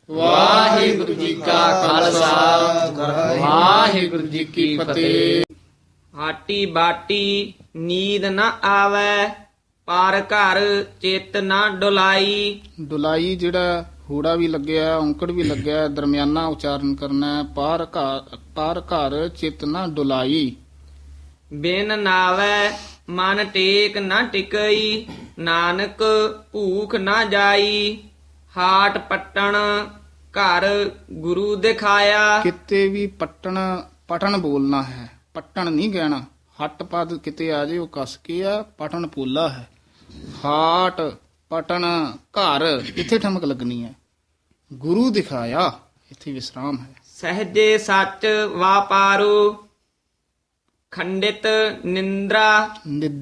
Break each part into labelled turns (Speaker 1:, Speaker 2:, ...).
Speaker 1: ਵਾਹਿਗੁਰੂ ਜੀ ਕਾ ਖਾਲਸਾ ਵਾਹਿਗੁਰੂ ਜੀ ਕੀ ਫਤਿਹ।
Speaker 2: ਹਾਟੀ ਬਾਟੀ ਨੀਂਦ ਨ ਆਵੈ, ਪਰ ਘਰ ਚਿੱਤ ਨ ਡੁਲਾਈ।
Speaker 1: ਦੁਲਾਈ ਜਿਹੜਾ ਹੂੜਾ ਵੀ ਲੱਗਿਆ, ਔਂਕੜ ਵੀ ਲੱਗਿਆ, ਦਰਮਿਆਨਾ ਉਚਾਰਨ ਕਰਨਾ ਹੈ। ਪਰ ਘਰ ਚਿੱਤ ਨਾ ਡੁਲਾਈ।
Speaker 2: ਬਿਨ ਨਾਵੈ ਮਨ ਟੇਕ ਨ ਟਿਕਈ, ਨਾਨਕ ਭੂਖ ਨ ਜਾਈ। ਹਾਟ ਪਟਣ ਘਰ ਗੁਰੂ ਦਿਖਾਇਆ।
Speaker 1: ਕਿਤੇ ਵੀ ਪਟਣ ਬੋਲਣਾ ਹੈ, ਪਟਣ ਨਹੀਂ ਕਹਿਣਾ। ਹੱਟ ਪਦ ਕਿਤੇ ਆ ਜੇ ਉਹ ਕਸ ਕੇ ਆ, ਪਟਣ ਪੋਲਾ ਹੈ। ਹਾਟ ਪਟਣ ਘਰ ਇੱਥੇ ਠਮਕ ਲੱਗਣੀ ਹੈ। ਗੁਰੂ ਦਿਖਾਇਆ ਇੱਥੇ ਵਿਸਰਾਮ ਹੈ।
Speaker 2: ਸਹਜੇ ਸੱਚ ਵਾਪਾਰੂ, ਖੰਡਿਤ ਨਿੰਦਰਾ।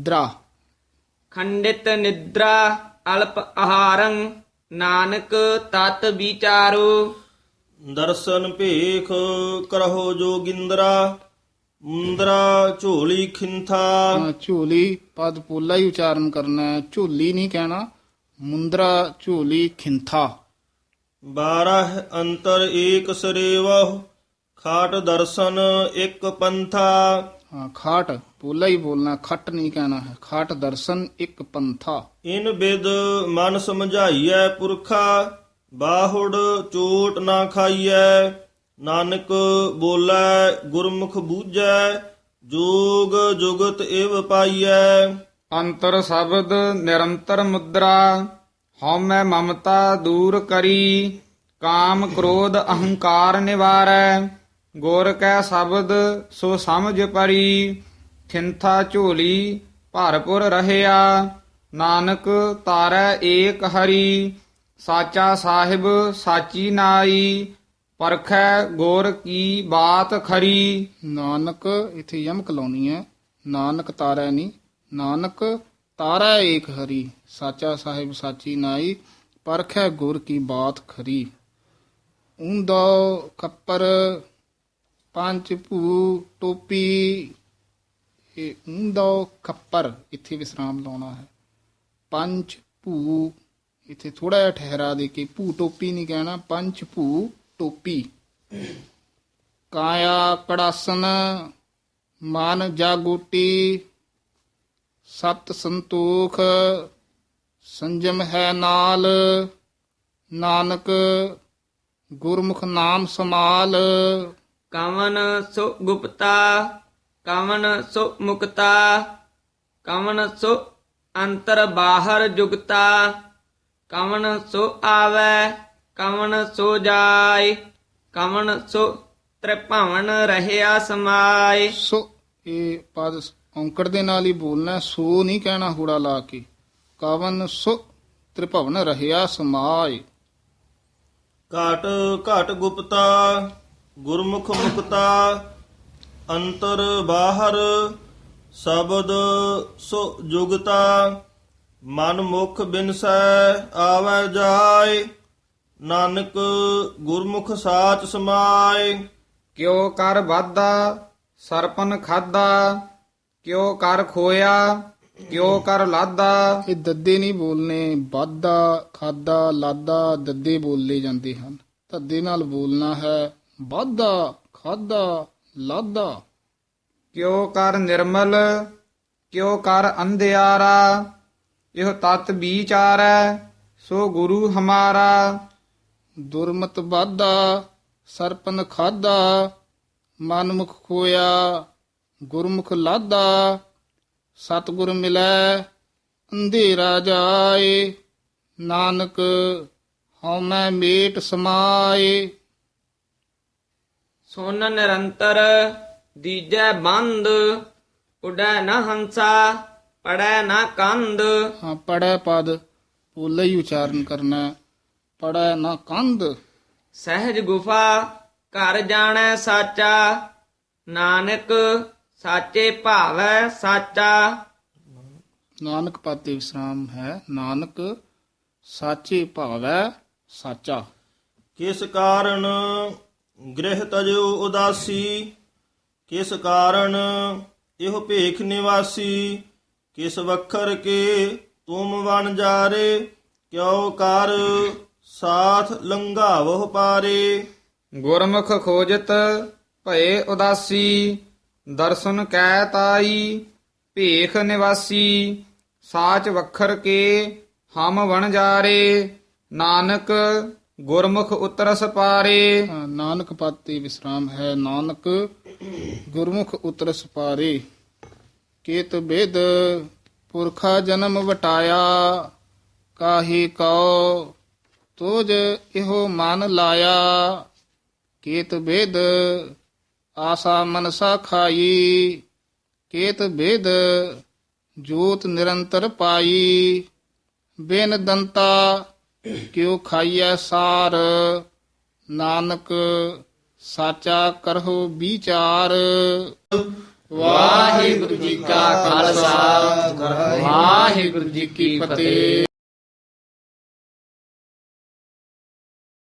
Speaker 2: ਖੰਡਿਤ ਨਿਦਰਾ ਅਲਪ ਆਹਾਰੰ, ਨਾਨਕ ਤਤ ਵਿਚਾਰੋ।
Speaker 3: ਦਰਸ਼ਨ ਭੇਖ ਕਰਹੁ ਜੋਗਿੰਦਰਾ, ਮੁੰਦਰਾ ਝੋਲੀ ਖਿੰਥਾ।
Speaker 1: ਝੋਲੀ ਪਦ ਪੋਲਾ ਹੀ ਉਚਾਰਨ ਕਰਨਾ ਹੈ, ਝੋਲੀ ਨਹੀਂ ਕਹਿਣਾ। ਮੁੰਦਰਾ ਝੋਲੀ ਖਿੰਥਾ।
Speaker 3: 12 ਅੰਤਰ ਏਕ ਸਰੇਵਹੁ, ਖਾਟ ਦਰਸ਼ਨ ਇੱਕ ਪੰਥਾ।
Speaker 1: ਖਾਟ ਪੋਲਾ ਹੀ ਬੋਲਣਾ, ਖੱਟ ਨਹੀਂ ਕਹਿਣਾ ਹੈ। ਖਾਟ ਦਰਸ਼ਨ ਇੱਕ ਪੰਥਾ।
Speaker 3: ਇਨ ਬਿਦ ਮਨ ਸਮਝਾਈਐ ਪੁਰਖਾ, ਬਾਹੁੜ ਚੋਟ ਨਾ ਖਾਈਐ। ਨਾਨਕ ਬੋਲੇ ਗੁਰਮੁਖ ਬੂਝੈ, ਜੋਗ ਜੁਗਤ ਇਵ ਪਾਈਐ।
Speaker 4: ਅੰਤਰ ਸ਼ਬਦ ਨਿਰੰਤਰ ਮੁਦਰਾ, ਹਉਮੈ ਮਮਤਾ ਦੂਰ ਕਰੀ। ਕਾਮ ਕ੍ਰੋਧ ਅਹੰਕਾਰ ਨਿਵਾਰੈ, ਗੁਰ ਕੈ ਸ਼ਬਦ ਸੋ ਸਮਝ ਪਰੀ। ਥਿੰਥਾ ਝੋਲੀ ਭਰਪੁਰ ਰਹਿਆ, ਨਾਨਕ ਤਾਰੈ ਏਕ ਹਰੀ। ਸਾਚਾ ਸਾਹਿਬ ਸਾਚੀ ਨਾਈ, ਪਰਖੈ ਗੁਰ ਕੀ ਬਾਤ ਖਰੀ।
Speaker 1: ਨਾਨਕ ਇਥੇ ਯਮਕ ਲਾਉਣੀ ਹੈ। ਨਾਨਕ ਤਾਰੈ ਨਹੀਂ, ਨਾਨਕ ਤਾਰੈ ਏਕ ਹਰੀ। ਸਾਚਾ ਸਾਹਿਬ ਸਾਚੀ ਨਾਈ, ਪਰਖੈ ਗੁਰ ਕੀ ਬਾਤ ਖਰੀ। ਊਂਦੋ ਖੱਪਰ ਪੰਜ ਭੂ ਟੋਪੀ। ਇਹ ਊਂਦੋ ਖੱਪਰ ਇੱਥੇ ਵਿਸਰਾਮ ਲਾਉਣਾ ਹੈ। ਪੰਜ ਭੂ ਇੱਥੇ ਥੋੜਾ ਜਿਹਾ ਠਹਿਰਾ ਦੇ ਕੇ, ਭੂ ਟੋਪੀ ਨਹੀਂ ਕਹਿਣਾ, ਪੰਜ ਭੂ ਟੋਪੀ। ਕਾਇਆ ਕੜਾਸਨ ਮਨ ਜਾਗੋਟੀ, ਸਤ ਸੰਤੋਖ ਸੰਜਮ ਹੈ ਨਾਲ। ਨਾਨਕ ਗੁਰਮੁਖ ਨਾਮ ਸਮਾਲ।
Speaker 2: ਕਵਨ ਸੋ ਗੁਪਤਾ, ਕਵਨ ਸੋ ਮੁਕਤਾ। ਕਵਨ ਸੋ ਅੰਤਰ ਬਾਹਰ ਜੁਗਤਾ। ਕਵਨ ਸੋ ਆਵੈ, ਕਵਨ ਸੋ ਜਾਏ। ਕਵਨ ਸੋ ਤ੍ਰਿਭਵਨ ਰਹਿਆ ਸਮਾਏ।
Speaker 1: ਸੋ ਇਹ ਪਦ ਔਂਕੜ ਦੇ ਨਾਲ ਹੀ ਬੋਲਣਾ, ਸੋ ਨਹੀਂ ਕਹਿਣਾ ਹੂੜਾ ਲਾ ਕੇ। ਕਵਨ ਸੋ ਤ੍ਰਿਭਵਨ ਰਹਿਆ ਸਮਾਏ।
Speaker 3: ਘਾਟ ਘਾਟ ਗੁਪਤਾ ਗੁਰਮੁਖ ਮੁਕਤਾ, ਅੰਤਰ ਬਾਹਰ ਸ਼ਬਦ ਸੋ ਜੁਗਤਾ। ਮਨ ਮੁਖ ਬਿਨਸੈ ਆਵੈ ਜਾਏ, ਨਾਨਕ ਗੁਰਮੁਖ ਸਾਚ ਸਮਾਏ।
Speaker 4: ਕਿਉ ਕਰ ਵਾਧਾ ਸਰਪਨ ਖਾਦਾ, ਕਿਉ ਕਰ ਖੋਇਆ ਕਿਉ ਕਰ ਲਾਦਾ।
Speaker 1: ਇਹ ਦੱਦੇ ਨਹੀਂ ਬੋਲਨੇ। ਵਾਧਾ ਖਾਦਾ ਲਾਦਾ ਦੱਦੇ ਬੋਲੇ ਜਾਂਦੇ ਹਨ। ਧੱਦੇ ਨਾਲ ਬੋਲਣਾ ਹੈ। ਵਾਧਾ ਖਾਦਾ ਲਾਦਾ।
Speaker 4: ਕਿਉ ਕਰ ਨਿਰਮਲ ਕਿਉ ਕਰ ਅੰਧਿਆਰਾ, ਇਹ ਤਤ ਵਿਚਾਰੈ ਸੋ ਗੁਰੂ ਹਮਾਰਾ।
Speaker 1: ਦੁਰਮਤ ਵਾਧਾ ਸਰਪਨ ਖਾਦਾ, ਮਨਮੁਖ ਖੋਇਆ ਗੁਰਮੁਖ ਲਾਦਾ। ਸਤਿਗੁਰ ਮਿਲੈ ਅੰਧੇਰਾ ਜਾਏ, ਨਾਨਕ ਹਉਮੈ ਮੇਟ ਸਮਾਏ।
Speaker 2: ਸੁਨ ਨਿਰੰਤਰ ਦੀਜੈ ਬੰਦ, ਉਡੈ ਨ ਹੰਸਾ ਪੜੈ ਨ ਕੰਦ।
Speaker 1: ਹਾਂ, ਪੜੈ ਪਦ ਪੋਲਾ ਹੀ ਉਚਾਰਨ ਕਰਨਾ ਹੈ। ਪੜੈ ਨਾ ਕੰਧ।
Speaker 2: ਸਹਿਜ ਗੁਫਾ ਘਰ ਜਾਣੈ ਸਾਚਾ, ਨਾਨਕ ਸਾਚੇ ਭਾਵੈ ਸਾਚਾ।
Speaker 1: ਨਾਨਕ ਪਦ ਤੇ ਵਿਸਰਾਮ ਹੈ। ਨਾਨਕ ਸਾਚੇ ਭਾਵੈ ਸਾਚਾ।
Speaker 3: ਕਿਸ ਕਾਰਨ ਗ੍ਰਹਿ ਤਜੋ ਉਦਾਸੀ, ਕਿਸ ਕਾਰਨ ਇਹੋ ਭੇਖ ਨਿਵਾਸੀ। ਕਿਸ ਵਖਰ ਕੇ ਤੁਮ ਵਣ ਜਾਰੇ, ਕਿਉ ਕਰ ਸਾਥ ਲੰਘਾਵਹੁ ਪਾਰੇ।
Speaker 4: ਗੁਰਮੁਖ ਖੋਜਤ ਭਏ ਉਦਾਸੀ ਦਰਸ਼ਨ ਕੈ ਤਾਈ ਭੇਖ ਨਿਵਾਸੀ ਸਾਚ ਵਖਰ ਕੇ ਹਮ ਵਣਜਾਰੇ ਨਾਨਕ ਗੁਰਮੁਖ ਉਤਰਸ ਪਾਰੇ।
Speaker 1: ਨਾਨਕ ਪਦ ਤੇ ਵਿਸਰਾਮ ਹੈ। ਨਾਨਕ ਗੁਰਮੁਖ ਉਤਰਸ ਪਾਰੇ। ਕੇਤ ਬਿਦ ਪੁਰਖਾ ਜਨਮ ਵਟਾਇਆ ਕਾਹੀ ਕਉ ਤੋਜ ਇਹੋ ਮਨ ਲਾਇਆ। ਕੇਤ ਬਿਦ ਆਸਾ ਮਨਸਾ ਖਾਈ ਕੇਤ ਬਿਦ ਜੋਤ ਨਿਰੰਤਰ ਪਾਈ। ਬਿਨ ਦੰਤਾ ਕਿਉ ਖਾਈਐ ਸਾਰ ਨਾਨਕ ਸਾਚਾ ਕਰਹੁ ਵਿਚਾਰ। ਵਾਹਿਗੁਰੂ ਜੀ ਕਾ ਖਾਲਸਾ ਵਾਹਿਗੁਰੂ ਜੀ ਕੀ ਫਤਿਹ।